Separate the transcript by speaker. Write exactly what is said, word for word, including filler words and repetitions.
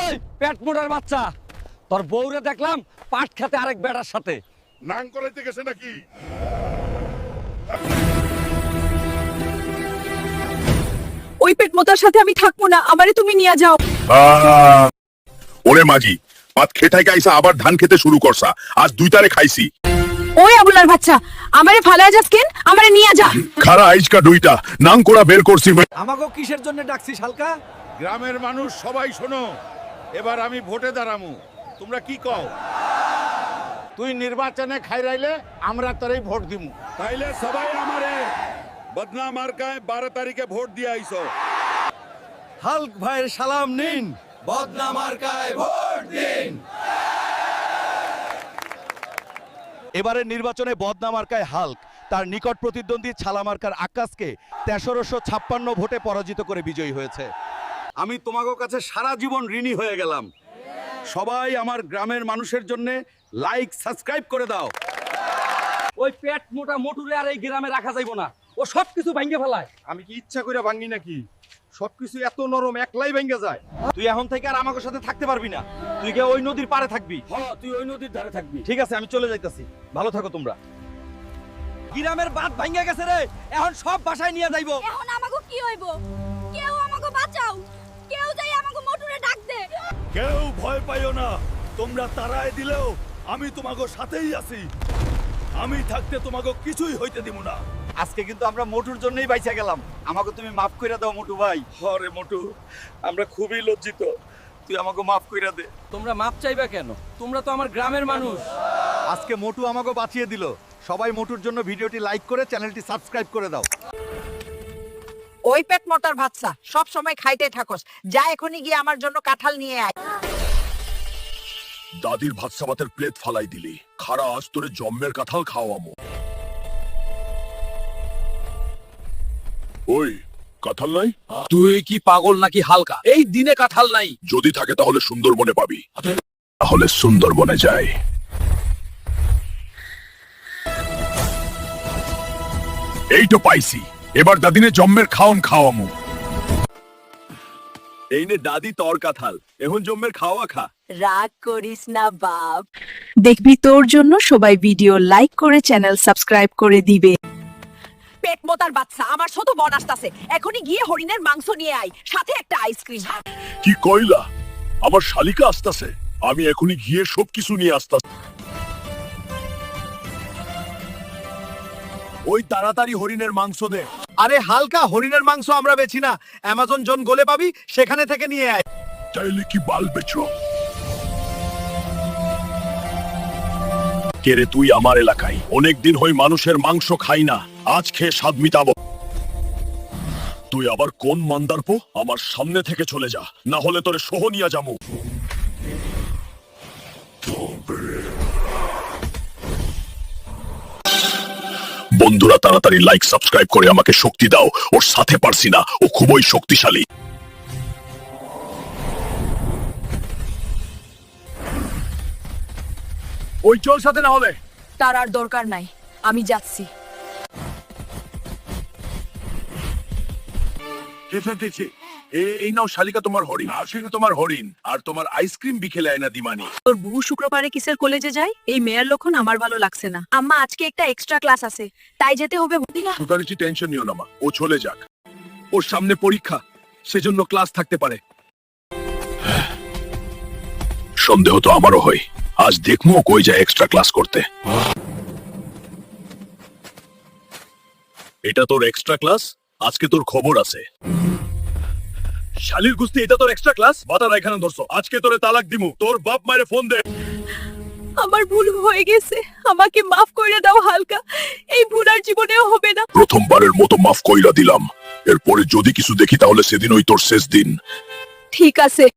Speaker 1: ওই পেট মোটার বাচ্চা, তোর বউরে দেখলাম পাট খেতে আরেক বেড়ার সাথে।
Speaker 2: নাং করাইতে গেছে নাকি?
Speaker 3: ওই পেট মোতার সাথে আমি থাকবো না, আমারে তুমি নিয়ে যাও।
Speaker 2: ওরে মাঝি, পাত খেটাই গাইসা আবার ধান খেতে শুরু করছা। আজ দুই তারে খাইছি।
Speaker 3: ওই আবুলার বাচ্চা, আমারে ফালায় যাস কেন? আমারে নিয়ে যা।
Speaker 2: খারা আইজকা দুইটা নাং করা বের করছি।
Speaker 1: আমাকে কিসের জন্য ডাকছিস হালকা?
Speaker 4: গ্রামের মানুষ সবাই শোনো, এবার আমি ভোটে দাঁড়ামু, তোমরা কি কও? তুই নির্বাচনে খাইরাইলে আমরা তোরই ভোট দিমু।
Speaker 2: তাইলে সবাই আমারে বদনা মার্কায় বারো তারিখে ভোট দিয়ে আইছো।
Speaker 1: হালক ভাইয়ের সালাম নিন।
Speaker 5: বদনা মার্কায় ভোট দিন।
Speaker 6: এবারের নির্বাচনে বদনা মার্কায় হাল্ক তার নিকট প্রতিদ্বন্দ্বী ছালা মার্কার আকাশকে তেরোশো ছাপ্পান্ন ভোটে পরাজিত করে বিজয়ী হয়েছে।
Speaker 1: আমি তোমাদের কাছে সারা জীবন ঋণী হয়ে গেলাম। সবাই আমার গ্রামের মানুষের জন্য লাইক সাবস্ক্রাইব করে দাও। ওই পেট মোটা মোটুরে আর এই গ্রামে রাখা যাইব না, ও সব কিছু ভাঙ্গে ফেলায়।
Speaker 4: আমি কি ইচ্ছা করে ভাঙি নাকি? সবকিছু এত নরম, একলাই ভেঙে যায়।
Speaker 1: তুই এখন থেকে আর আমাকে সাথে থাকতে পারবি না, তুই গিয়ে ওই নদীর পাড়ে থাকবি। হ্যাঁ, তুই ওই নদীর ধারে থাকবি। ঠিক আছে, আমি চলে যাইতাছি, ভালো থাকো তোমরা। গ্রামের বাঁধ ভাঙ্গে গেছে রে, এখন সব বাসায় নিয়ে যাইবো।
Speaker 7: এখন আমাকে কি হইব? কেউ আমাকে বাঁচাও, কেউ যাই আমাকে মোটরে ডাক দে।
Speaker 4: কেউ ভয় পাইও না, তোমরা তাড়ায় দিলেও আমি তোমাকে সাথেই আছি। আমি থাকতে তোমাকে কিছুই হইতে দিব না।
Speaker 1: আজকে কিন্তু আমরা মোটুর জন্যই বাইচা গেলাম, আমাকে তুমি মাফ কইরা দাও মোটু ভাই।
Speaker 4: হরে মোটু, আমরা খুবই লজ্জিত,
Speaker 1: তুই আমাকে মাফ কইরা দে। তোমরা মাফ চাইবা কেন? তোমরা তো আমার গ্রামের মানুষ।
Speaker 6: আজকে মোটু আমাকে বাঁচিয়ে দিল। সবাই মোটুর জন্য ভিডিওটি লাইক করে চ্যানেলটি সাবস্ক্রাইব করে দাও।
Speaker 3: ওই পেট মোটার বাচ্চা, সব সময় খাইতে থাকস। যা এখনই গিয়ে আমার জন্য কাঁঠাল নিয়ে আয়।
Speaker 2: দাদির ভাত সাবাতের প্লেট ফালাই দিলি। খারা আজ তোরে জম্মের কাঁঠাল খাওয়ামো। ওই কাঁঠাল নাই?
Speaker 1: তুই কি পাগল নাকি হালকা? এই দিনে কাঁঠাল নাই।
Speaker 2: যদি থাকে তাহলে সুন্দরবনে পাবি। তাহলে সুন্দরবনে যাই। এই তো পাইছি, এবার দাদিনে জম্মের খাওন খাওয়ামু। এই নে দাদি তোর কাঁঠাল, এখন জম্মের খাওয়া খা।
Speaker 3: রাগ করিস না বাপ। দেখবি তোর জন্য সবাই ভিডিও লাইক করে চ্যানেল সাবস্ক্রাইব করে দিবে। পেট মোতার বাচ্চা, আমার ছোট বোন আসতাছে, এখনই গিয়ে হরিণের মাংস নিয়ে আয়, সাথে একটা আইসক্রিম।
Speaker 2: কি কইলা? আমার শালিকা আসতাছে, আমি এখনই গিয়ে সবকিছু নিয়ে আসতাছি। ওই তাড়াতাড়ি হরিণের মাংস দে।
Speaker 6: আরে হালকা, হরিণের মাংস আমরা বেছি না, অ্যামাজন জোন গোলে পাবি, সেখানে থেকে নিয়ে আয়।
Speaker 2: চাইলে কি বাল বেচো? কে রে তুই? আমার এলাকায় অনেকদিন হই মানুষের মাংস খাই না, আজ খেয়ে স্বাদ মিটাবো। তুই আবার কোন মান্দারপো? আমার সামনে থেকে চলে যা, না হলে তোরে সোহনিয়া যামু। বন্ধুরা তাড়াতাড়ি লাইক সাবস্ক্রাইব করে আমাকে শক্তি দাও, ওর সাথে পারছি না, ও খুবই শক্তিশালী। ওই চল সাথে, না হলে।
Speaker 3: তার আর দরকার নাই, আমি যাচ্ছি।
Speaker 2: এই নাও শালিকা তোমার হরিণ, আর সেটা তোমার হরিণ, আর তোমার আইসক্রিম বিকেলে আয়না দিমানি।
Speaker 3: তোর বহু শুক্রবারে কিসের কলেজে যায়? এই মেয়ের লক্ষণ আমার ভালো লাগছে না। আম্মা, আজকে একটা এক্সট্রা ক্লাস আছে, তাই যেতে হবে। বুঝিনা
Speaker 2: তোর কিছু টেনশন নিও না মা, ও চলে যাক। ওর সামনে পরীক্ষা, সেজন্য ক্লাস থাকতে পারে। সন্দেহ তো আমারও হয়, আজ দেখবো কই যায় এক্সট্রা ক্লাস করতে। এটা তোর এক্সট্রা ক্লাস, আজকে তোর খবর আছে। শালির গুস্তি, এটা তোর এক্সট্রা ক্লাস? বাতারা এখানে ধরছো, আজকে তোরে তালাক দিমু। তোর বাপ মায়ের ফোন দে।
Speaker 3: আমার ভুল হয়ে গেছে, আমাকে মাফ করে দাও হালকা, এই ভুল আর জীবনেও হবে না।
Speaker 2: প্রথমবারের মতো মাফ কইরা দিলাম, এরপরে যদি কিছু দেখি তাহলে সেদিন ওই তোর শেষ দিন।
Speaker 3: ঠিক আছে।